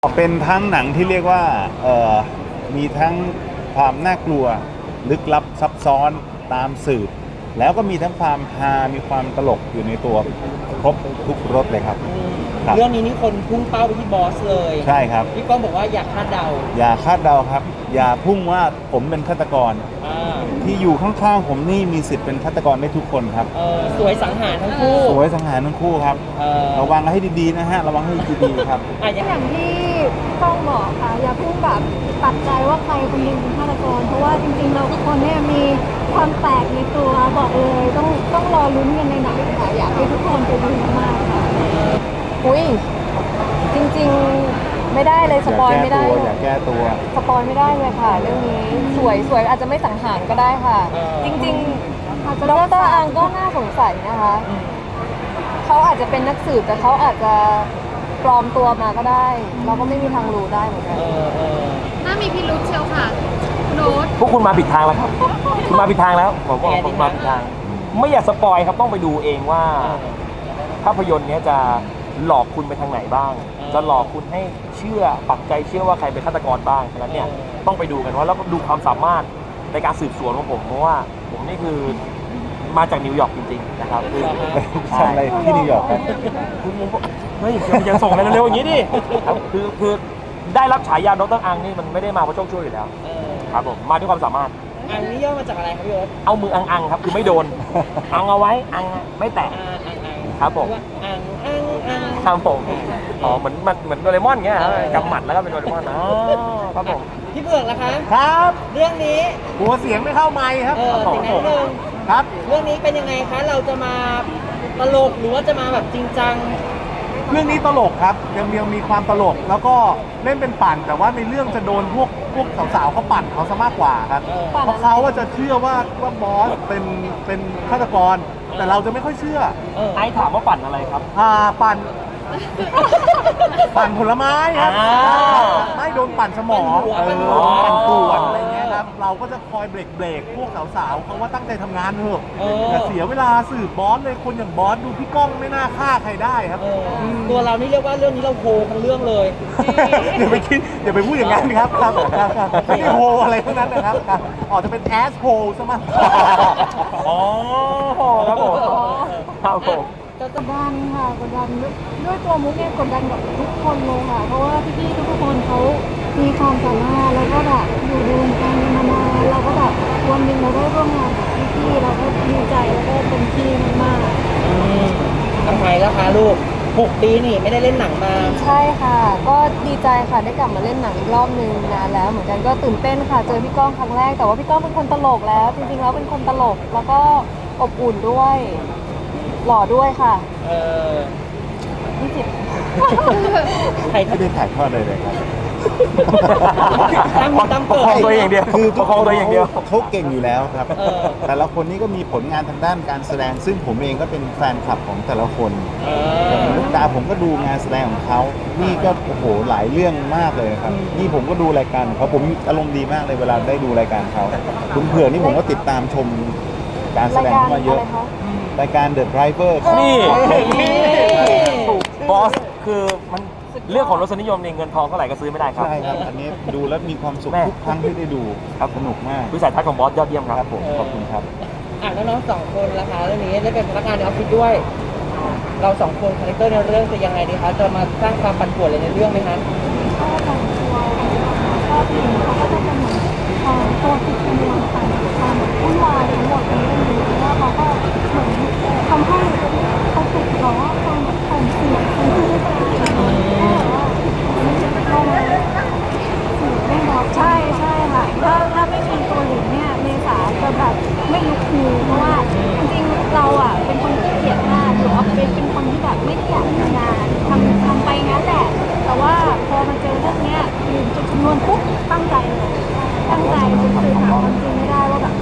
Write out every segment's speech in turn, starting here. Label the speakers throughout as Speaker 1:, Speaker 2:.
Speaker 1: เป็นทั้งหนังที่เรียกว่ามีทั้งความน่ากลัวลึกลับซับซ้อนตามสืบแล้วก็มีทั้งความฮามีความตลกอยู่ในตัวครบทุกรสเลยครับ
Speaker 2: เรื่องนี้นี่คนพุ่งเป้าไปที่บอสเลย
Speaker 1: ใช่ครับ
Speaker 2: พี่ก้องบอกว่าอยากคาดเดา
Speaker 1: อย่าคาดเดาครับอย่าพุ่งว่าผมเป็นฆาตกรที่อยู่ข้างๆผมนี่มีสิทธิ์เป็นฆาตกรได้ทุกคนครับ
Speaker 2: สวยสังหารทั้งคู่
Speaker 1: สวยสังหารทั้งคู่ครับระวังให้ดีๆนะฮะระวังให้ดีๆครับ
Speaker 3: อย่างที่ต้องบอกค่ะอย่าพุ่งแบบตัดใจว่าใครคนหนึงเป็นฆาตกรเพราะว่าจริงๆเราทุกคนเนี่ยมีความแปลกในตัวบอกเลยต้องรอลุ้นกันในหนังค่ะอยากให้ทุกคนไปดูมากค่ะ
Speaker 4: อุ้ยจริงๆไม่ได้เลยสปอยไม่ได้
Speaker 1: อย่าแก้ตัว
Speaker 4: สปอยไม่ได้เลยค่ะเรื่องนี้สวยอาจจะไม่สังหารก็ได้ค่ะจริงๆดร.อังก็น่าสงสัยนะคะเขาอาจจะเป็นนักสืบแต่เขาอาจจะปลอมตัวมาก็ได้เราก็ไม่มีทางรู้ได้เหมือนกัน
Speaker 3: น่ามีพิรุธเชียวค่ะโน้ต
Speaker 5: พวกคุณมาผิดทางแล้วครับคุณมาผิดทางแล้วผมบอกผมมาผิดทางไม่อยากสปอยครับต้องไปดูเองว่าภาพยนตร์นี้จะหลอกคุณไปทางไหนบ้างจะหลอกคุณให้เชื่อปักใจเชื่อว่าใครเป็นฆาตกรบ้างฉะนั้นเนี่ยต้องไปดูกันว่าแล้วก็ดูความสามารถในการสืบสวนของผมเพราะว่าผมนี่คือมาจากนิวยอร์กจริงๆนะครับคือ
Speaker 1: ทำอะไรที่นิวยอร์กครับ
Speaker 5: คุณเฮ้ยยังส่งอะไรเร็วๆอย่างนี้ดิครับคือได้รับฉายาดร.อังนี่มันไม่ได้มาเพราะโชคช่วยอยู่แล้วครับผมมาด้วยความสามารถ
Speaker 2: อังนี่ย่อมาจากอะไรครับพี่โอ๊ต
Speaker 5: เอามืออังครับคือไม่โดนอังเอาไว้อังไม่แตะครับผมครับผมอ๋อเหมือนโดเรมอนเงี้ยกำหมัดแล้วก็เป็นโดเรมอนครับผม
Speaker 2: พี่เบือกล่ะคะ
Speaker 1: ครับ
Speaker 2: เรื่องนี้
Speaker 1: หัวเสียงไม่เข้าไมค์ครับ
Speaker 2: สิ่งนั้นนึง
Speaker 1: ครับ
Speaker 2: เรื่องนี้เป็นยังไงคะเราจะมาตลกหรือว่าจะมาแบบจริงจัง
Speaker 1: เรื่องนี้ตลกครับยังมีความตลกแล้วก็เล่นเป็นปั่นแต่ว่าในเรื่องจะโดนพวกสาวๆเขาปั่นเขาซะมากกว่าครับเพราะเขาจะเชื่อว่าบอสเป็นฆาตกรแต่เราจะไม่ค่อยเชื่อ
Speaker 5: ไอ้ถามว่าปั่นอะไรครับ
Speaker 1: ปั่นผลไม้ครับไม่โดนปั่นสมองปั่นป่วนอะไรเงี้ยครับเราก็จะคอยเบรกพวกสาวๆเขาว่าตั้งใจทำงานเถอะอย่าเสียเวลาสืบบอสเลยคนอย่างบอสดูพี่ก้องไม่น่าฆ่าใครได้ครับ
Speaker 2: ตัวเรานี่เรียกว่าเรื่องนี้เราโฮทั้งเรื่องเลย
Speaker 1: อย่าไปคิดอย่าไปพูดอย่างนั้นครับไม่ได้โฮอะไรทั้งนั้นนะครับออกจะเป็นแอสโฮซะมาก
Speaker 5: อ๋อครับผมครับผม
Speaker 3: กดดันค่ะกดดันด้วยตัวมุกเนี่ยกดดันกับทุกคนเลยค่ะเพราะว่าพี่ๆทุกคนเขามีความสามารถแล้วก็แบบอยู่ในวงการมานานเราก็แบบวันหนึ่งเราได้ร่วมงานกับพี่ๆเราก็ดีใจแล้วก็เต็มที่มาก
Speaker 2: ทำไมล่ะคะลูก6 ปีนี่ไม่ได้เล่นหนังมา
Speaker 4: ใช่ค่ะก็ดีใจค่ะได้กลับมาเล่นหนังอีกรอบนึงนานแล้วเหมือนกันก็ตื่นเต้นค่ะเจอพี่ก้องครั้งแรกแต่ว่าพี่ก้องเป็นคนตลกแล้วจริงๆแล้วเป็นคนตลกแล้วก็อบอุ่นด้วยหล่อด้วยค่ะ20
Speaker 1: ใครไม่ได้ถ่ายทอดเลยครับ
Speaker 5: ประคองตัวอย่างเดียว
Speaker 1: คือประคองตัวอย่างเดียวเขาเก่งอยู่แล้วครับแต่ละคนนี่ก็มีผลงานทางด้านการแสดงซึ่งผมเองก็เป็นแฟนคลับของแต่ละคนลูกตาผมก็ดูงานแสดงของเขานี่ก็โอ้โหหลายเรื่องมากเลยครับนี่ผมก็ดูรายการเขาผมอารมณ์ดีมากเลยเวลาได้ดูรายการเขาคุณเผื่อนี่ผมก็ติดตามชมการแสดงมาเยอะรายการ The Driver
Speaker 5: นี่บอสคือมันเรื่องของรสนิยมในเงินทองเท่าไหร่ก็ซื้อไม่ได้ครับ
Speaker 1: ใช่ครับอันนี้ดูแล้วมีความสุขทุกครั้งที่ได้ดูครับสนุกมาก
Speaker 5: วิสัยทัศน์ของบอสยอดเยี่ยมครับ
Speaker 1: ผมขอบคุณครับ
Speaker 2: แล้วน้อง2 คนล่ะคะเรื่องนี้ได้เป็นพนักงานในออฟฟิศด้วยเรา2 คนคาแรคเตอร์ในเรื่องจะยังไงดีคะจะมาสร้างความปั่นป่วนอะไรในเรื่องไหมคะ
Speaker 3: ก็แต่งตัวก็ผู้หญิงเขาก็จะเป็นเหมือนตัวติดกำลังความวุ่นวายทั้งหมดในเรื่องนี้แล้วเขาก็เหมือนทำให้เขาติดหรอความความเสี่ยงเป็นผู้ที่ต้องใช่ค่ะถ้าไม่มีตัวหลิงเนี่ยเมษาจะแบบไม่ลุกฮือเพราะว่าจริงๆเราอ่ะเป็นคนที่เกลียดมากหรือว่าเป็นคนที่แบบไม่ได้อยากทำงานทำไปงั้นแหละแต่ว่าพอมาเจอเรื่องเนี้ยคือจุดชนวนปุ๊บตั้งใจเลยตั้งใจจนสื่อหาความจริงไม่ได้ว่าแบบ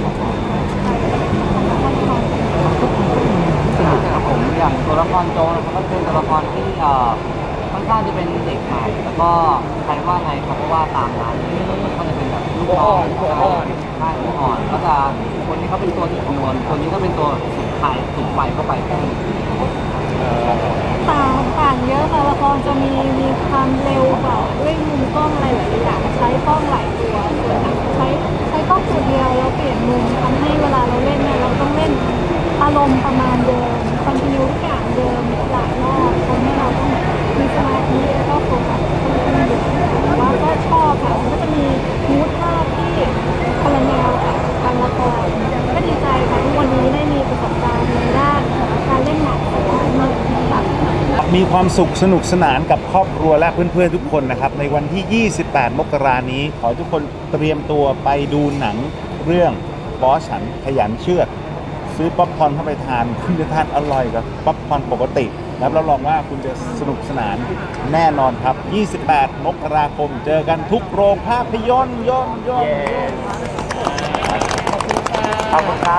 Speaker 6: ครับผมอย่างตัวละครโจนะครับก็เป็นตัวละครที่ค่อนข้างจะเป็นเด็กใหม่แล้วก็ใครว่าไงครับเพราะว่าตามนั้นมันก็จะเป็นแบบลูกน้องใช่หัวอ่อนก็จะคนนี้เขาเป็นตัวที่คำนวณคนนี้ก็เป็นตัวสุดท้ายสุดไฟเข้าไป
Speaker 3: ต่างเยอะค่ะละครจะมีความเร็วกว่าด้วยมุมกล้องอะไรหลายๆอย่างใช้กล้องหลายตัวส่วนหนังใช้กล้องตัวเดียวแล้วเปลี่ยนมุมทำให้เวลาเราเล่นเนี่ยเราต้องเล่นอารมณ์ประมาณเดิมคอนติเนียทุกอย่างเดิมหลายรอบทำให้เราต้องมีสมาธิแล้วก็โฟกัสค่อนข้างเยอะแต่ว่าก็ชอบค่ะมันก็จะมีมูดภาพที่คนละแนวกับการละครก็ดีใจค่ะที่วันนี้ได้มีประสบการณ์ในด้านการเล่นหนังหลายๆมากค่ะ
Speaker 1: มีความสุขสนุกสนานกับครอบครัวและเพื่อนๆทุกคนนะครับในวันที่ 28 มกราคมนี้ขอให้ทุกคนเตรียมตัวไปดูหนังเรื่องบอสฉันขยันเชือดซื้อป๊อปคอร์นเข้าไปทานคุณจะทานอร่อยกับป๊อปคอร์นปกติแล้วรับรองว่าคุณจะสนุกสนานแน่นอนครับ 28 มกราคมเจอกันทุกโรงภาพยนตร์
Speaker 5: ขอบคุณครับ